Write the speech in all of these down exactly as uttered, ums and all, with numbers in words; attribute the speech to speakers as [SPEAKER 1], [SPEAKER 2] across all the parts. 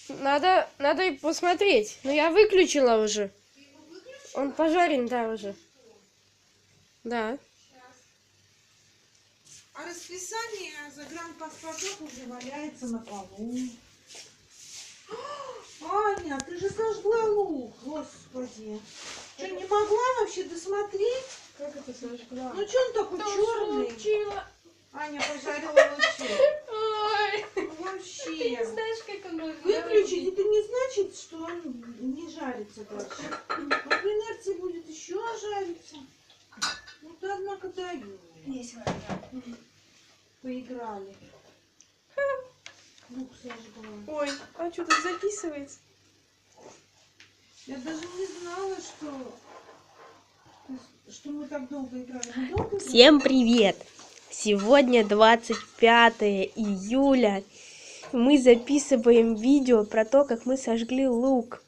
[SPEAKER 1] Надо, надо и посмотреть. Но я выключила уже. Он пожарен, да, уже. Да.
[SPEAKER 2] А расписание загранпаспортов уже валяется на полу. Аня, ты же сожгла лук, господи. Что, не могла вообще досмотреть?
[SPEAKER 1] Как это сожгла?
[SPEAKER 2] Ну что он такой черный?
[SPEAKER 1] Случилось?
[SPEAKER 2] Аня пожарила лучок.
[SPEAKER 1] Ой,
[SPEAKER 2] Ну, вообще.
[SPEAKER 1] ты не знаешь, как он
[SPEAKER 2] Выключить, это не значит, что он не жарится дальше. Он в инерции будет еще жариться. Ну ты, однако, даю. Поиграли. Лук сожгла.
[SPEAKER 1] Ой, а что тут записывается?
[SPEAKER 2] Я даже не знала, что, что мы так долго играли. Мы долго играли?
[SPEAKER 1] Всем привет! Сегодня двадцать пятое июля. Мы записываем видео про то, как мы сожгли лук.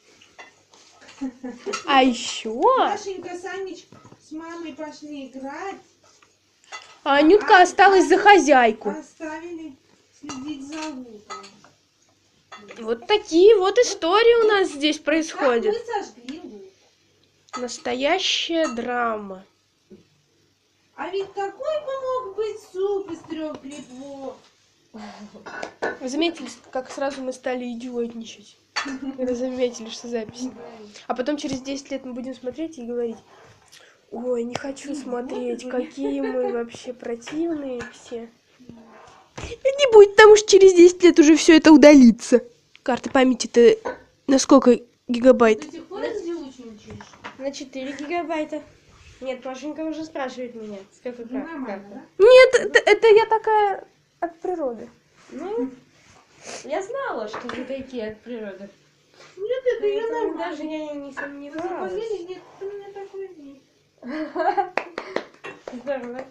[SPEAKER 1] А еще...
[SPEAKER 2] Машенька, Санич с мамой пошли играть.
[SPEAKER 1] А Анютка
[SPEAKER 2] А-
[SPEAKER 1] осталась за хозяйку.
[SPEAKER 2] Оставили следить за луком.
[SPEAKER 1] Вот такие вот истории у нас здесь
[SPEAKER 2] Как
[SPEAKER 1] происходят.
[SPEAKER 2] мы сожгли лук.
[SPEAKER 1] Настоящая драма.
[SPEAKER 2] А ведь какой бы мог быть суп из трех грибов?
[SPEAKER 1] Вы заметили, как сразу мы стали идиотничать? Вы заметили, что запись. А потом через десять лет мы будем смотреть и говорить: ой, не хочу смотреть, какие мы вообще противные все. Не будет, потому что через десять лет уже все это удалится. Карта памяти-то на сколько гигабайт?
[SPEAKER 2] Ты ходишь звучничаешь?
[SPEAKER 1] На четыре гигабайта. Нет, Машенька уже спрашивает меня, с какой
[SPEAKER 2] Ну, нормально, да?
[SPEAKER 1] Нет, это, это я такая от природы. Ну, я знала, что вы такие от природы.
[SPEAKER 2] Нет, это я
[SPEAKER 1] Поэтому
[SPEAKER 2] нормально.
[SPEAKER 1] даже я не
[SPEAKER 2] Вы
[SPEAKER 1] сомневалась.
[SPEAKER 2] поверили? Нет, ты у меня такой нет.
[SPEAKER 1] Здорово.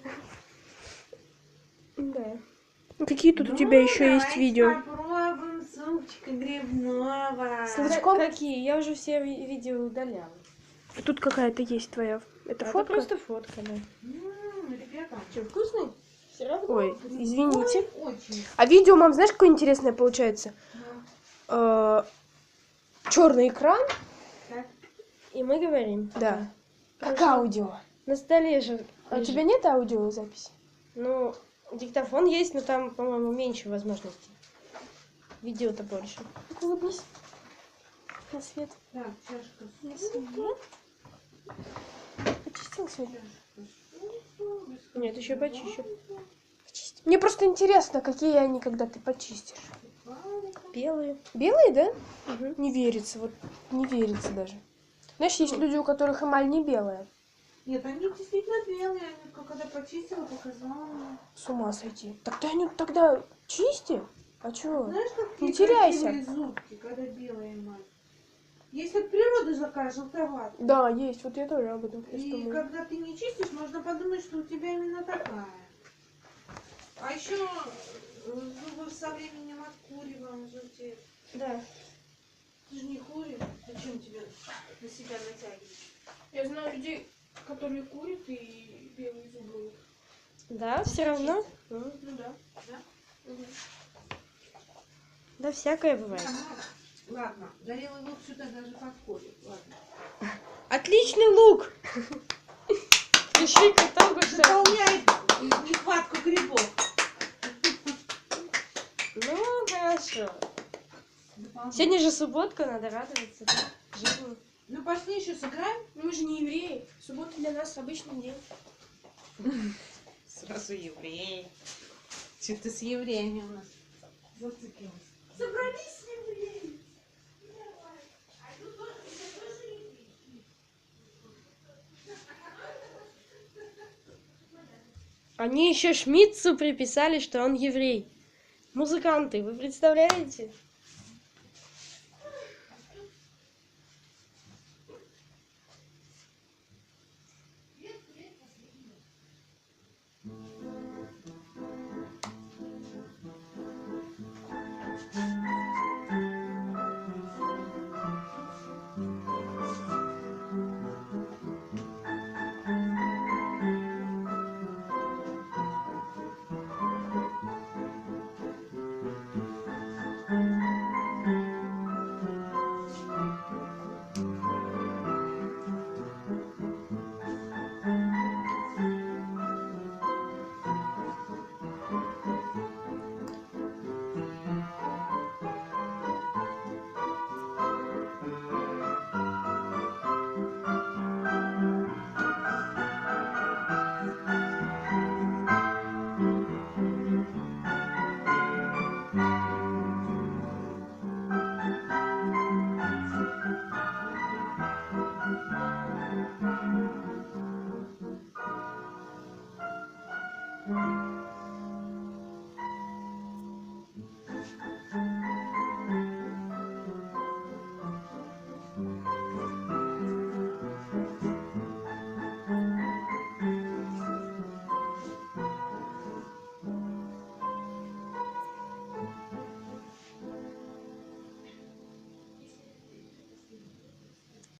[SPEAKER 1] Да. Какие тут у тебя
[SPEAKER 2] Ну,
[SPEAKER 1] еще есть
[SPEAKER 2] давайте
[SPEAKER 1] видео?
[SPEAKER 2] попробуем супчика грибного.
[SPEAKER 1] С лучком? Какие? Я уже все ви- видео удаляла. Тут какая-то есть твоя. Это,
[SPEAKER 2] Это
[SPEAKER 1] фотка?
[SPEAKER 2] просто
[SPEAKER 1] фотка, да.
[SPEAKER 2] М, ребята,
[SPEAKER 1] Что, вкусный?
[SPEAKER 2] все равно.
[SPEAKER 1] Ой, извините.
[SPEAKER 2] Ой, очень.
[SPEAKER 1] А видео, мам, знаешь, какое интересное получается?
[SPEAKER 2] Да.
[SPEAKER 1] Черный экран,
[SPEAKER 2] Так.
[SPEAKER 1] и мы говорим. Да. Как
[SPEAKER 2] Хорошо.
[SPEAKER 1] аудио. На столе же. А у
[SPEAKER 2] лежит.
[SPEAKER 1] тебя нет аудиозаписи? Ну, диктофон есть, но там, по-моему, меньше возможностей. Видео-то больше. Так, улыбнись. На свет.
[SPEAKER 2] Так, чашка
[SPEAKER 1] На
[SPEAKER 2] супа.
[SPEAKER 1] свет. Почистил сегодня?
[SPEAKER 2] Чашка супа.
[SPEAKER 1] Нет, еще почищу. Почисти. Мне просто интересно, какие они, когда ты почистишь. Белые. Белые, да? Угу. Не верится, вот не верится даже. Знаешь, есть люди, у которых эмаль не белая.
[SPEAKER 2] Нет, они действительно белые. Анютка, когда почистила, показала мне.
[SPEAKER 1] С ума сойти. Так ты, Анют, тогда чисти. А чё?
[SPEAKER 2] Знаешь, какие
[SPEAKER 1] Не теряйся.
[SPEAKER 2] красивые зубки, когда белая эмаль. Есть от природы такая желтоватая.
[SPEAKER 1] Да, есть. Вот я тоже об этом сейчас
[SPEAKER 2] И
[SPEAKER 1] думаю.
[SPEAKER 2] когда ты не чистишь, можно подумать, что у тебя именно такая. А еще зубы со временем от курева желтеют.
[SPEAKER 1] Да.
[SPEAKER 2] Ты же не куришь. Зачем тебе на себя натягивать?
[SPEAKER 1] Я знаю людей, которые курят и белые зубы. Да, все равно? Ну,
[SPEAKER 2] Ну да. Да?
[SPEAKER 1] угу. Да, всякое бывает.
[SPEAKER 2] Ага. Ладно, горелый лук сюда даже подходит. Ладно.
[SPEAKER 1] Отличный лук! Пиши к итогу, что...
[SPEAKER 2] Заполняет нехватку грибов.
[SPEAKER 1] Ну, хорошо. Сегодня же субботка, надо радоваться, да? Жизни.
[SPEAKER 2] Ну пошли еще сыграем.
[SPEAKER 1] Мы же не евреи. Суббота для нас обычный день.
[SPEAKER 2] Сразу евреи. Что-то с евреями у нас зациклилось. Собрались евреи.
[SPEAKER 1] Они еще Шмидцу приписали, что он еврей. Музыканты, вы представляете?